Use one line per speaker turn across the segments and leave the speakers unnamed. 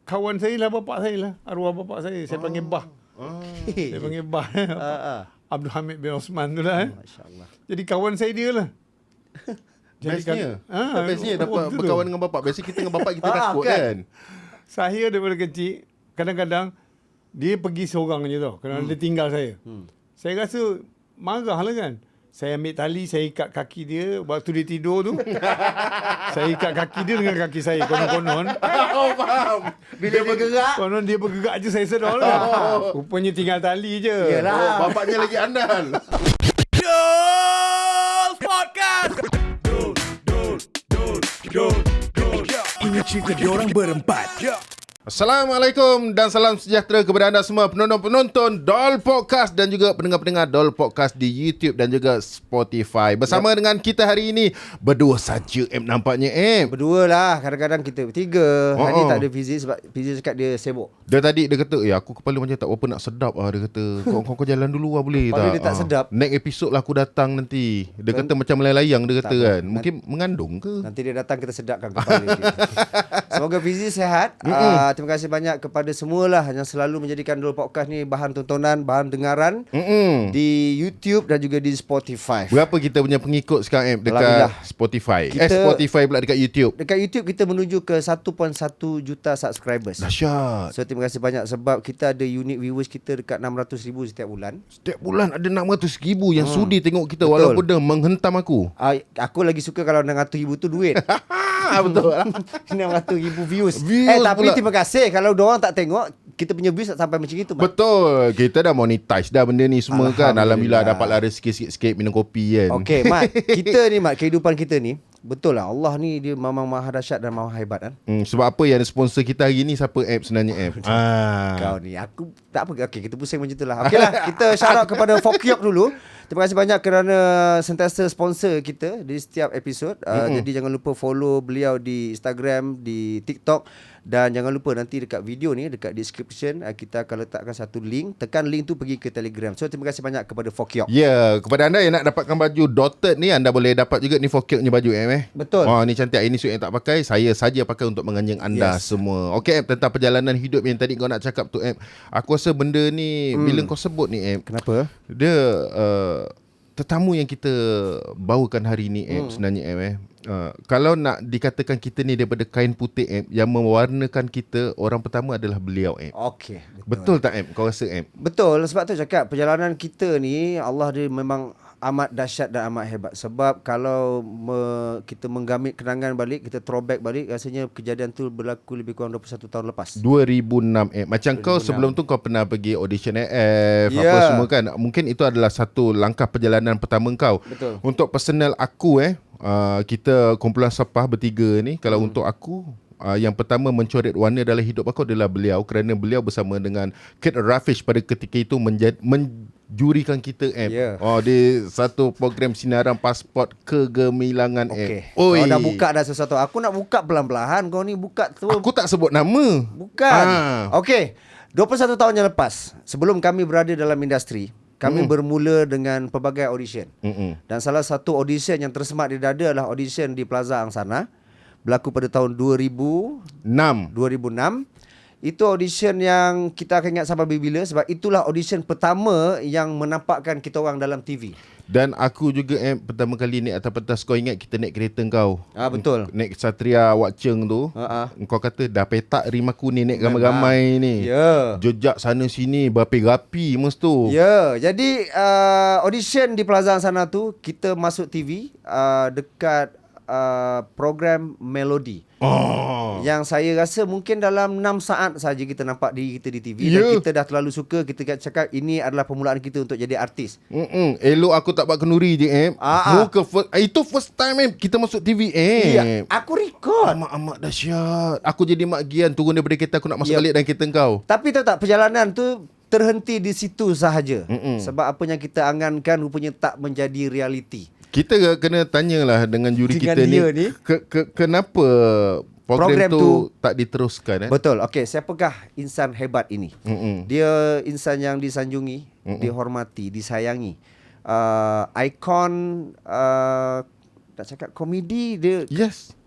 kawan saya lah, bapak saya lah. Arwah bapak saya. Saya panggil Bah. Saya panggil Bah. Abdul Hamid bin Osman tu lah.
Masya-Allah.
Jadi kawan saya dia lah.
Bestnya. Bestnya dapat berkawan dengan bapak. Biasa kita dengan bapak kita takut kan.
Saya daripada kecil, kadang-kadang dia pergi seorang je tau. Kerana dia tinggal saya. Saya rasa marah lah kan. Saya ambil tali, saya ikat kaki dia. Waktu dia tidur tu, saya ikat kaki dia dengan kaki saya. Konon-konon.
Oh, faham. Bila dia bergerak.
Konon dia bergerak je, saya sedar lah. Rupanya tinggal tali je.
Oh, bapaknya lagi andal.
Ini cerita diorang berempat.
Assalamualaikum dan salam sejahtera kepada anda semua penonton-penonton Dol Podcast dan juga pendengar-pendengar Dol Podcast di YouTube dan juga Spotify. Bersama dengan kita hari ini berdua saja nampaknya
Berdua lah. Kadang-kadang kita bertiga. Hari ni tak ada Fizi sebab Fizi cakap dia sibuk.
Dia tadi dia kata, aku kepala macam tak apa nak sedap Dia kata, kau jalan dulu boleh
Kepala
tak?
dia tak sedap.
Next episode lah aku datang nanti. Dia kata macam melayang dia kata
tak
kan. Mungkin mengandung ke?
Nanti dia datang kita sedapkan kepala dia. Semoga Fizi sihat. Terima kasih banyak kepada semualah yang selalu menjadikan Dol Podcast ni bahan tontonan, bahan dengaran di YouTube dan juga di Spotify.
Berapa kita punya pengikut sekarang dekat
Alhamdulillah.
Spotify? Spotify pula dekat YouTube.
Dekat YouTube kita menuju ke 1.1 juta subscribers.
Dahsyat.
So terima kasih banyak sebab kita ada unique viewers kita dekat 600,000 setiap bulan.
Setiap bulan ada 600,000 yang sudi tengok kita. Betul. Walaupun dia menghentam aku.
Aku lagi suka kalau 600,000 tu duit.
Betul.
600,000 views. Tapi
Pula.
terima kasih kalau diorang tak tengok, kita punya views tak sampai macam itu.
Betul. Kita dah monetize dah benda ni semua kan.
Alhamdulillah.
Alhamdulillah dapat lari sikit-sikit minum kopi kan.
Okey, Mat. Kita ni, Mat, kehidupan kita ni, betul lah. Allah ni dia memang maha dahsyat dan maha hebat kan.
Sebab apa yang ada sponsor kita hari ni? Siapa sebenarnya
Kau ni, aku tak apa. Okey, kita pusing macam itulah. Okeylah, kita shout out kepada Fokyok dulu. Terima kasih banyak kerana sentiasa sponsor kita di setiap episod. Jadi jangan lupa follow beliau di Instagram, di TikTok. Dan jangan lupa nanti dekat video ni, dekat description, kita akan letakkan satu link. Tekan link tu pergi ke Telegram. So terima kasih banyak kepada Fokyok.
Ya, kepada anda yang nak dapatkan baju dotted ni, anda boleh dapat juga ni Fokyok ni baju
Betul.
Ni cantik. Ini suit yang tak pakai, saya saja pakai untuk menganjing anda semua. Okey, tentang perjalanan hidup yang tadi kau nak cakap tu, aku rasa benda ni bila kau sebut ni,
Kenapa?
dia tetamu yang kita bawakan hari ni sebenarnya kalau nak dikatakan kita ni daripada kain putih yang mewarnakan kita, orang pertama adalah beliau
Okey.
Betul tak kau rasa
Betul, sebab tu cakap perjalanan kita ni Allah dia memang amat dahsyat dan amat hebat. Sebab kalau kita menggamit kenangan balik, kita throwback balik, rasanya kejadian tu berlaku lebih kurang 21 tahun lepas.
2006 macam 2006. Kau sebelum tu kau pernah pergi audition AF apa semua kan. Mungkin itu adalah satu langkah perjalanan pertama kau.
Betul.
Untuk personal aku kita kumpulan Sapah bertiga ni, kalau untuk aku yang pertama mencoret warna dalam hidup aku adalah beliau, kerana beliau bersama dengan Kate Rafish pada ketika itu menjurikan kita di satu program sinaran pasport kegemilangan.
Kau dah buka dah sesuatu. Aku nak buka pelan-pelan, kau ni buka tu.
Aku tak sebut nama.
Bukan. Okey. 21 tahun yang lepas, sebelum kami berada dalam industri, kami bermula dengan pelbagai audition. Dan salah satu audition yang tersemat di dada adalah audition di Plaza Angsana. Berlaku pada tahun 2006. Itu audition yang kita akan ingat sampai bila, sebab itulah audition pertama yang menampakkan kita orang dalam TV.
Dan aku juga pertama kali naik atas pentas. Kau ingat kita naik kereta kau?
Betul.
Naik Satria Wak Cheng tu. Kau kata dah petak rim aku ni naik ramai-ramai ni. Jejak sana sini berapi-rapi mesti tu.
Jadi audition di Plaza sana tu kita masuk TV dekat program Melody. Yang saya rasa mungkin dalam 6 saat saja kita nampak diri kita di TV. Dan kita dah terlalu suka. Kita cakap ini adalah permulaan kita untuk jadi artis.
Elok aku tak buat kenduri je Muka itu first time kita masuk TV
Aku record.
Amat dahsyat. Aku jadi Mak Gian turun daripada kereta, aku nak masuk balik dalam kereta kau.
Tapi tahu tak, perjalanan tu terhenti di situ sahaja. Sebab apa yang kita angankan rupanya tak menjadi realiti.
Kita kena tanyalah dengan juri kita ni. Kenapa program tu tak diteruskan?
Betul. Okey, siapakah insan hebat ini? Dia insan yang disanjungi, dihormati, disayangi. Ikon nak cakap komedi dia.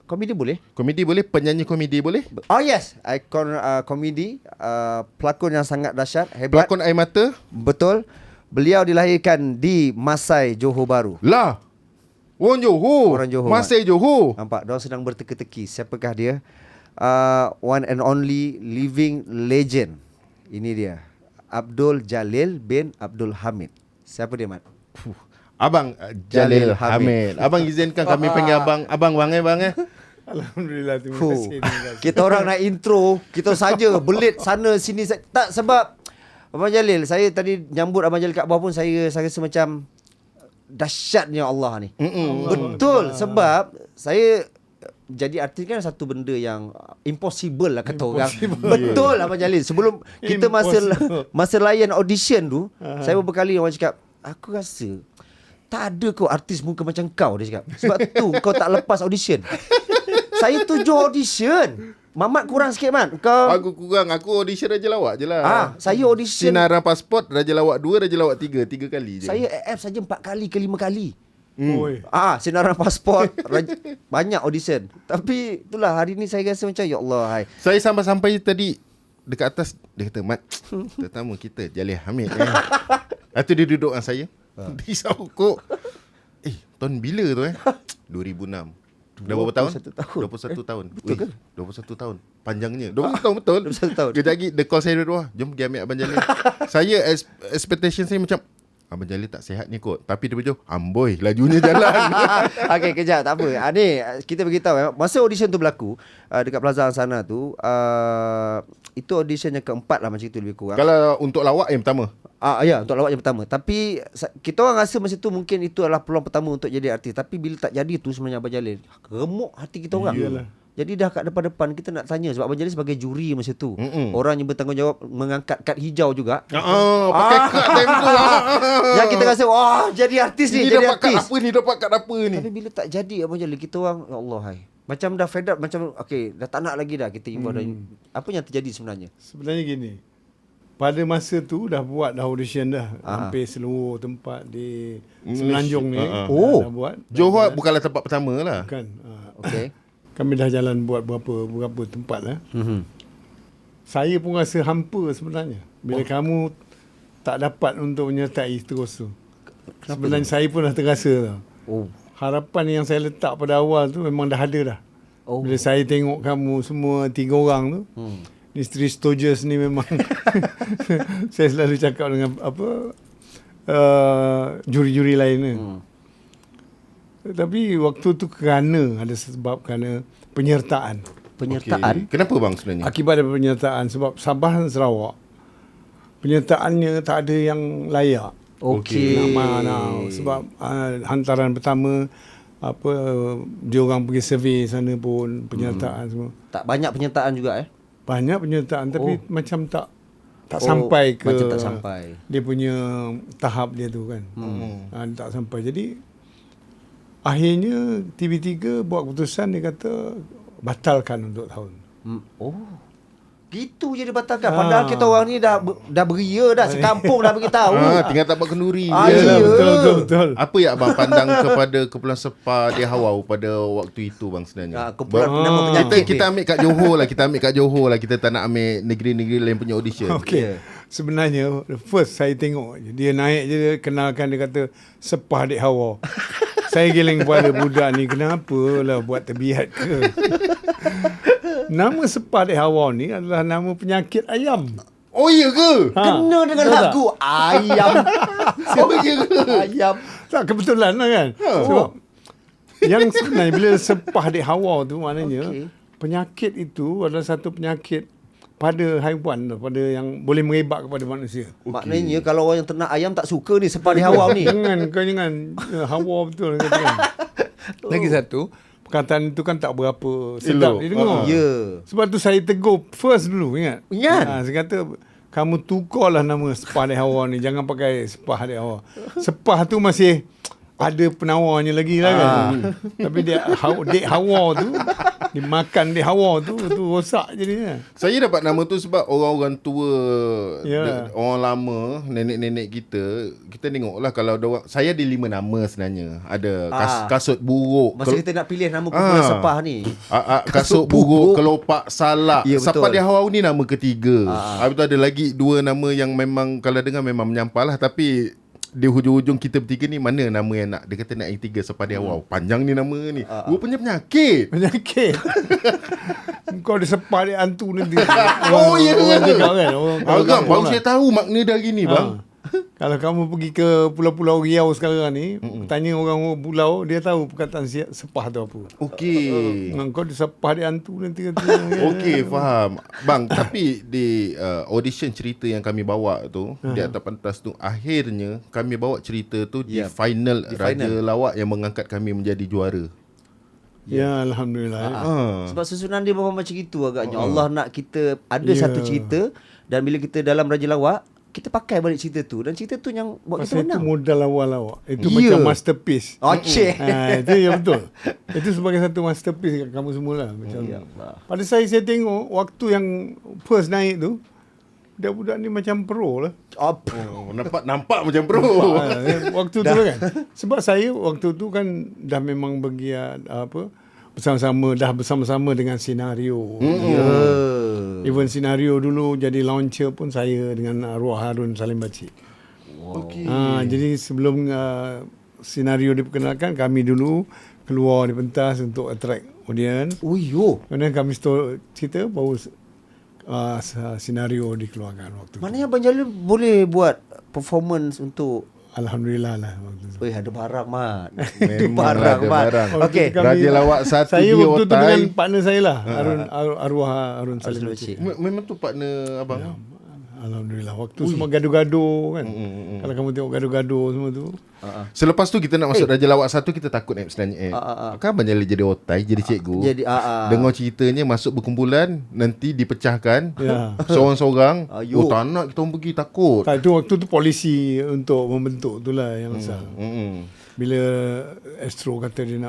Komedi boleh?
Komedi boleh, penyanyi komedi boleh.
Oh yes, ikon komedi, pelakon yang sangat dahsyat, hebat.
Pelakon air mata.
Betul. Beliau dilahirkan di Masai, Johor Bahru.
Lah. Orang Johor.
Orang Johor,
Masai Johor.
Nampak, diorang sedang berteka-teki. Siapakah dia? One and only living legend. Ini dia. Abdul Jalil bin Abdul Hamid. Siapa dia, Mat?
Abang Jalil Hamid. Abang izinkan kami panggil abang bang eh.
Alhamdulillah, terima kasih.
Kita orang nak intro, kita saja belit sana sini. Tak, sebab Abang Jalil, saya tadi nyambut Abang Jalil kat bawah pun saya rasa macam dahsyatnya Allah ni. Betul, sebab saya jadi artis kan satu benda yang impossible lah kata orang. Betul Abang Jalil. Sebelum kita masa layan audition tu, saya beberapa kali orang cakap, aku rasa tak ada kau artis muka macam kau, dia cakap. Sebab tu kau tak lepas audition. Saya 7 audition. Mamat kurang sikit, Man. Kau
Aku kurang. Aku audition Raja Lawak je lah.
saya audition.
Sinaran Pasport, Raja Lawak 2, Raja Lawak 3. 3 kali je.
Saya AF saja 4 kali ke 5 kali.
Oi.
Sinaran pasport. Banyak audition. Tapi itulah hari ni saya rasa macam ya Allah, hai.
Saya sampai tadi dekat atas, dia kata, Mat, tetamu kita Jalil Hamid Lepas tu dia duduk dengan saya. Dia isau kok. Tahun bila tu 2006. Dah berapa tahun? 21 tahun.
Betul ke?
21 tahun. Panjangnya. 21 tahun betul.
21 tahun.
Kejap lagi dia call saya dari luar. Jom pergi ambil Abang Jalil. Saya expectation saya macam Abang Jalil tak sihat ni kot. Tapi dia berjauh, amboi lajunya jalan.
Okey, kejap, tak apa. Ni kita beritahu masa audition tu berlaku dekat Plaza sana tu, itu audition yang keempat lah macam itu lebih kurang.
Kalau untuk lawak yang pertama.
Ya, untuk lawak yang pertama. Tapi kita orang rasa masa tu mungkin itu adalah peluang pertama untuk jadi artis. Tapi bila tak jadi tu sebenarnya Abang Jalil, remuk hati kita orang.
Iyalah.
Jadi dah kat depan-depan kita nak tanya sebab Abang Jalil sebagai juri masa tu. Orang yang bertanggungjawab mengangkat kad hijau juga.
Pakai kad time tu.
Yang kita rasa wah jadi artis ni,
Ni
jadi
dapat kad
artis.
apa ni? Dapat kad apa ni?
Tapi bila tak jadi Abang Jalil, kita orang ya Allah, hai. Macam dah fed up, macam okey, dah tak nak lagi dah kita involve. Apa yang terjadi sebenarnya?
Sebenarnya gini. Pada masa tu dah buat dah audition dah. Hampir seluruh tempat di Semenanjung ni. Dah buat.
Johor bukanlah tempat pertama lah.
Bukan.
Okey.
Kami dah jalan buat berapa tempat lah. Saya pun rasa hampa sebenarnya. Bila kamu tak dapat untuk menyertai terus tu. Sebenarnya saya pun dah terasa tau. Harapan yang saya letak pada awal tu memang dah ada dah. Bila saya tengok kamu semua 3 orang tu, ni Three Stooges ni memang saya selalu cakap dengan juri-juri lain ni. Tapi waktu tu kerana penyertaan.
Penyertaan.
Okay. Kenapa bang sebenarnya?
Akibat daripada penyertaan sebab Sabah dan Sarawak penyertaannya tak ada yang layak.
Okey.
Sebab hantaran pertama dia orang pergi survey sana pun penyertaan semua.
Tak banyak penyertaan juga
Banyak penyertaan tapi macam tak sampai ke
macam tak sampai.
Dia punya tahap dia tu kan. Tak sampai. Jadi akhirnya TV3 buat keputusan, dia kata batalkan untuk tahun.
Gitu je dibatalkan. Padahal kita orang ni dah beria dah, sekampung dah beritahu.
Tinggal tak buat kenduri.
Ya.
Betul.
Apa yang abang pandang kepada Kumpulan Sepah di Hawau pada waktu itu bang sebenarnya?
Kumpulan nama penyakit
kita ambil kat Johor lah. Kita ambil kat Johor lah. Kita tak nak ambil negeri-negeri lain punya audition.
Okey. Sebenarnya first saya tengok je. Dia naik je, dia kenalkan, dia kata Sepah Dek Hawa. Saya giling kepala budak ni, kenapa lah buat terbiat ke? Nama Sepah Dek Hawa ni adalah nama penyakit ayam.
Oh iya ke?
Kena dengan
betul
lagu ayam.
Oh iya ke?
Ayam.
Tak, kebetulan lah kan. Sebab yang sebenarnya bila Sepah Dek Hawa tu maknanya penyakit itu adalah satu penyakit pada haiwan, pada yang boleh merebak kepada manusia.
Maknanya kalau orang yang ternak ayam tak suka ni Sepah Dek Hawa ni.
Jangan Hawa betul kata kan. Lagi satu, perkataan itu kan tak berapa sedap dia dengar. Sebab tu saya tegur first dulu, ingat? Saya kata kamu tukarlah nama Sepah Dek Hawa ni, jangan pakai Sepah Dek Hawa. Sepah tu masih ada penawarnya lagi lah kan. Tapi Dek Hawa tu Dimakan di hawa tu rosak jadinya.
Saya dapat nama tu sebab orang-orang tua,
Ya.
orang lama, nenek-nenek kita tengoklah kalau ada orang, saya ada 5 nama sebenarnya. Ada kasut buruk.
Masa kita nak pilih nama kumpulan sepah ni.
Kasut buruk, kelopak salak.
Ya, betul.
Sepah di Hawau ni nama ketiga. Habis tu ada lagi 2 nama yang memang kalau dengar memang menyampah lah, tapi di hujung-hujung kita bertiga ni mana nama yang nak. Dia kata nak yang 3 Sepah di Hawau. Panjang ni nama ni. Rupanya penyakit.
Penyakit. Kau ada sepah dia hantu nanti.
Oh, ya.
Orang cakap kan. Orang
Agak baru
lah.
saya tahu makna dari ni bang.
Kalau kamu pergi ke pulau-pulau Riau sekarang ni, tanya orang pulau, dia tahu perkataan sepah tu apa.
Okey.
Kau ada sepah dia hantu nanti kata.
Okey, faham. Bang, tapi di audition cerita yang kami bawa tu, di atas pentas tu, akhirnya kami bawa cerita tu di final Raja Lawak yang mengangkat kami menjadi juara.
Ya, Alhamdulillah.
Sebab susunan dia memang macam itu agaknya. Allah nak kita ada satu cerita, dan bila kita dalam Raja Lawak, kita pakai balik cerita tu, dan cerita tu yang buat
Pasal
kita
itu
menang.
modal awal-awal. Itu
Ya.
macam masterpiece.
Okey.
Itu yang betul. Itu sebagai satu masterpiece kat kamu semua lah. Macam pada saya tengok waktu yang first naik tu, budak-budak ni macam pro lah.
Apa?
Oh, nampak macam pro.
Waktu tu kan. Sebab saya waktu tu kan dah memang bergiat bersama-sama dengan senario. Even senario dulu jadi launcher pun saya dengan arwah Harun Salim Bacik.
Okey.
Jadi sebelum senario diperkenalkan, kami dulu keluar di pentas untuk attract audience.
Oh yo.
Kemudian kami cerita baru senario dikeluarkan waktu tu.
Maknanya Abang Jalil boleh buat performance untuk
Alhamdulillah lah waktu tu.
ada barang mat.
Memang ada barang.
Okey.
Waktu tu kami-
Raja Lawak 1
Saya
di
waktu tu
Otai.
dengan partner saya lah, arwah Harun Salim Bacik.
Memang tu partner abang.
Alhamdulillah. Waktu semua gaduh-gaduh kan. Kalau kamu tengok gaduh-gaduh semua tu.
Selepas tu kita nak masuk Raja Lawak 1, kita takut sebenarnya. Kan Abang Jalil jadi otai, jadi cikgu.
Jadi
Dengar ceritanya masuk berkumpulan, nanti dipecahkan.
Ya.
Seorang-seorang.
Ayuh.
Tak nak kita orang pergi, takut.
Tak, itu waktu tu polisi untuk membentuk tu lah yang asal. Bila Astro kata dia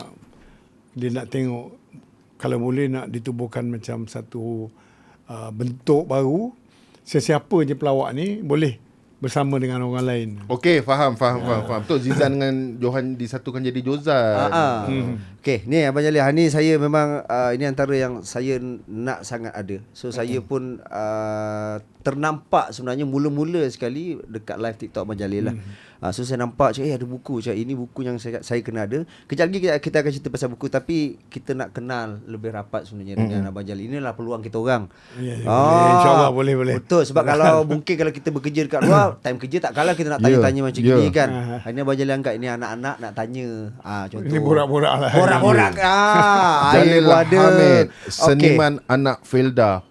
nak tengok kalau boleh nak ditubuhkan macam satu bentuk baru, sesiapa je pelawak ni boleh bersama dengan orang lain.
Okey, faham. Betul, Zizan dengan Johan disatukan jadi Jozan.
Okey, ni Abang Jalil, ni saya memang ini antara yang saya nak sangat ada. So saya pun ternampak sebenarnya mula-mula sekali dekat live TikTok Abang Jalil lah. So saya nampak cakap ada buku, cakap ini buku yang saya kena ada. Kejap lagi kita akan cerita pasal buku, tapi kita nak kenal lebih rapat sebenarnya dengan Abang Jalil. Inilah peluang kita orang.
Ya, boleh. InsyaAllah boleh.
Betul, sebab kalau mungkin kalau kita bekerja dekat luar, time kerja tak kalah kita nak tanya-tanya macam gini kan. Ini Abang Jalil angkat, ini anak-anak nak tanya. Contoh.
Ini borak-borak lah.
Borak-borak.
Jalil
ada.
Hamid, seniman anak Felda.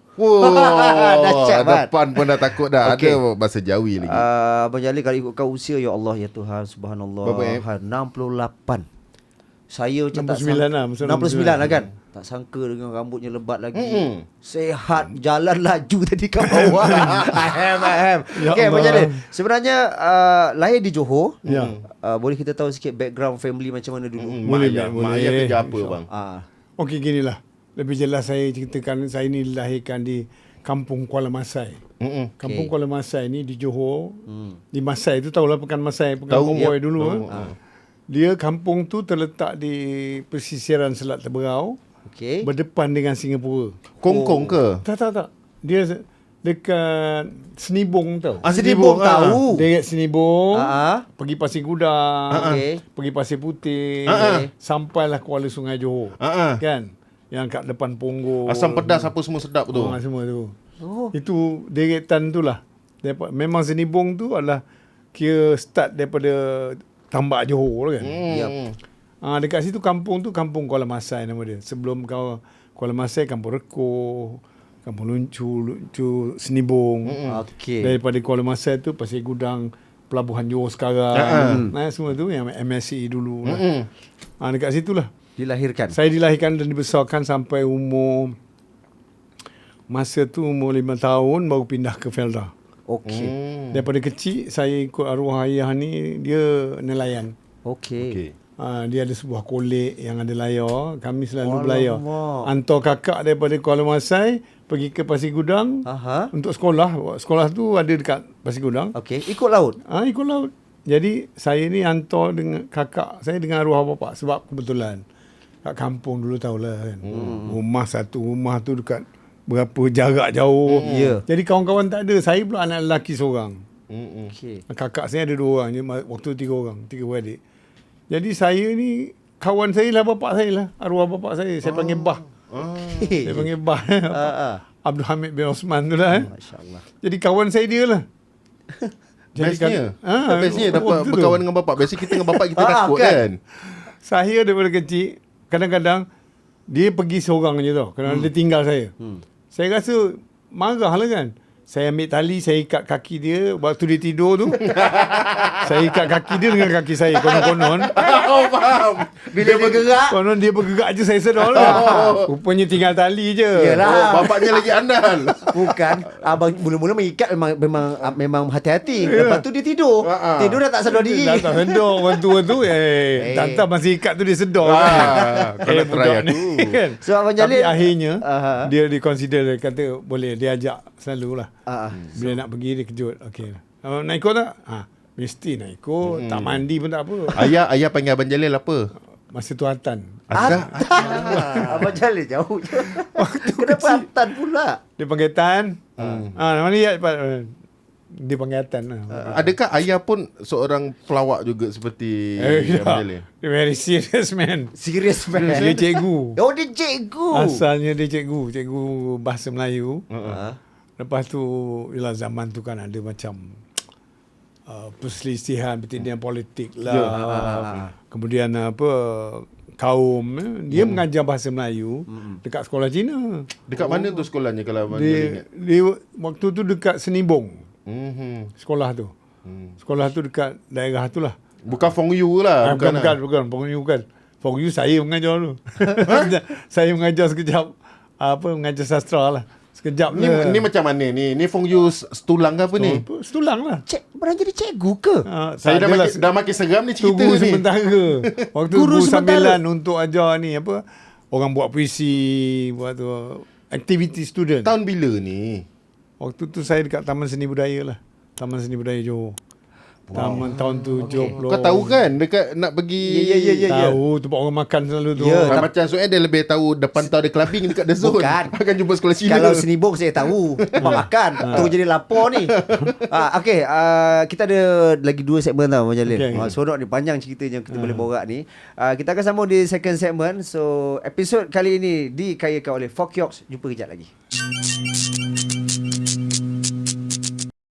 Dahsyat, Mat.
Depan pun dah takut dah.
Okey.
Ada bahasa Jawi lagi.
Abang Jalil kalau ikutkan usia, ya Allah ya Tuhan, subhanallah.
Berapa,
68. Saya macam tak
69 lah, masa
69 lah kan. Tak sangka dengan rambutnya lebat lagi. Sehat, jalan laju tadi kat bawah. Ahem.
Ya
Okey, Abang
Allah.
Jalil. Sebenarnya lahir di Johor.
Ya.
Boleh kita tahu sikit background family macam mana dulu?
Boleh.
Mak ayah kerja apa bang?
Okey, ginilah. Lebih jelas saya ceritakan, saya ni dilahirkan di Kampung Kuala Masai. Kampung Kuala Masai ni di Johor. Di Masai tu tahulah Pekan Masai, Pekan Konvoy dulu. Dia kampung tu terletak di pesisiran Selat Teberau,
Okey.
berdepan dengan Singapura.
Kongkong ke?
Tak. Dia dekat Senibong tau.
Senibong tahu.
Dekat Senibong,
Ah.
pergi Pasir Gudang,
Okey.
pergi Pasir Putih, sampailah Kuala Sungai Johor. Kan? Yang kat depan Punggol.
Asam pedas apa semua sedap tu.
Semua tu.
Oh.
Itu deretan tu lah. Memang Senibong tu adalah kira start daripada Tambak Johor kan.
Yep.
Dekat situ kampung tu Kampung Kuala Masai nama dia. Sebelum Kuala Masai, Kampung Reko, Kampung Luncu Senibong.
Okey.
Daripada Kuala Masai tu Pasir Gudang, Pelabuhan Johor sekarang. Semua tu yang MSC dulu lah. Dekat situ lah
Dilahirkan.
saya dilahirkan dan dibesarkan sampai umur, masa tu umur 5 tahun baru pindah ke Felda.
Okey.
Daripada kecil saya ikut arwah ayah ni, dia nelayan.
Okey.
Dia ada sebuah kolej yang ada layar. Kami selalu belayar.
Alamak.
Hantar kakak daripada Kuala Masai pergi ke Pasir Gudang untuk sekolah. Sekolah tu ada dekat Pasir Gudang.
Okey, ikut laut.
Ikut laut. Jadi saya ni hantar dengan kakak saya dengan arwah bapa sebab kebetulan kat kampung dulu tahulah kan. Rumah tu dekat berapa jarak jauh.
Ya.
Jadi kawan-kawan tak ada. Saya pula anak lelaki seorang.
Okey.
Kakak saya ada 2 orang je. Waktu 3 orang. 3 beradik. Jadi saya ni kawan saya lah bapak saya lah. Arwah bapak saya. Saya panggil Bah. Saya panggil Bah. Abdul Hamid bin Osman tu lah.
Masya-Allah.
Jadi kawan saya dia lah.
Bestnya. Bestnya dapat berkawan dengan bapak. Biasa kita dengan bapak kita takut kan.
Saya daripada kecil, kadang-kadang dia pergi seorang je tau. Kerana dia tinggal saya. Saya rasa marah lah kan. Saya ambil tali, saya ikat kaki dia. Waktu dia tidur tu, saya ikat kaki dia dengan kaki saya. Konon-konon.
Oh, faham.
Bila dia bergerak,
Konon dia bergerak je, saya sedar lah. Rupanya tinggal tali je.
Yalah.
Oh, bapaknya lagi andal.
bukan abang mula-mula mengikat memang hati-hati. Lepas tu dia tidur. Tidur dah tak sedar diri.
Dah tak sedar orang tua tu. Tanta masih ikat tu dia sedar kan.
Kau nak try
budak ni,
aku.
kan.
So Abang Jalil,
Tapi akhirnya dia consider, dia kata boleh dia ajak selalu lah. Bila nak pergi dia kejut. Okey. Nak ikut tak? Mesti nak ikut. Tak mandi pun tak apa.
Ayah panggil Abang Jalil apa?
Masa tu Atan.
Abang Jalil jauh je. Kenapa Atan pula?
Dia panggil Tan. Nama dia cepat. Dia panggil Atan lah.
Adakah ayah pun seorang pelawak juga seperti Abang Jalil?
Dia very serious man.
Serius man.
Dia cikgu.
Oh, dia cikgu.
Asalnya dia cikgu bahasa Melayu. Lepas tu ialah zaman tu kan ada macam perselisihan pertindihan politik lah. Kemudian kaum dia mengajar bahasa Melayu dekat sekolah Cina.
Dekat mana tu sekolahnya kalau Abang Jalil ingat?
Dia waktu tu dekat Senibong. Sekolah tu. Sekolah tu dekat daerah tu lah.
Bukan Fong Yu lah.
Bukan. Fong Yu saya mengajar dulu. Saya mengajar sekejap mengajar sastra lah. Sekejap
Ni macam mana ni? Ni Fong Yu setulang ke apa ni?
Setulang lah.
Pernah jadi cikgu ke?
Saya dah makin seram ni cerita
guru
ni.
sementara. Waktu
Guru
guru
sementara.
sambilan untuk ajar ni orang buat puisi, buat tu activity student.
Tahun bila ni?
Waktu tu saya dekat Taman Seni Budaya lah. Taman Seni Budaya Johor. Tahun 70.
Kau tahu kan dekat nak pergi
Tahu tempat orang makan selalu tu.
Ya,
macam soalnya dia lebih tahu depan tahu ada clubbing dekat The Zone.
Bukan.
Akan jumpa sekolah Cina.
Kalau Senibong saya tahu. Tempat makan. Tu jadi lapor ni. Okey, kita ada lagi 2 segmen tau Abang Jalil.
Okay.
Sonok ni panjang ceritanya kita boleh borak ni. Kita akan sambung di second segment. So episod kali ini dikayakan oleh Fokyoks. Jumpa kejap lagi.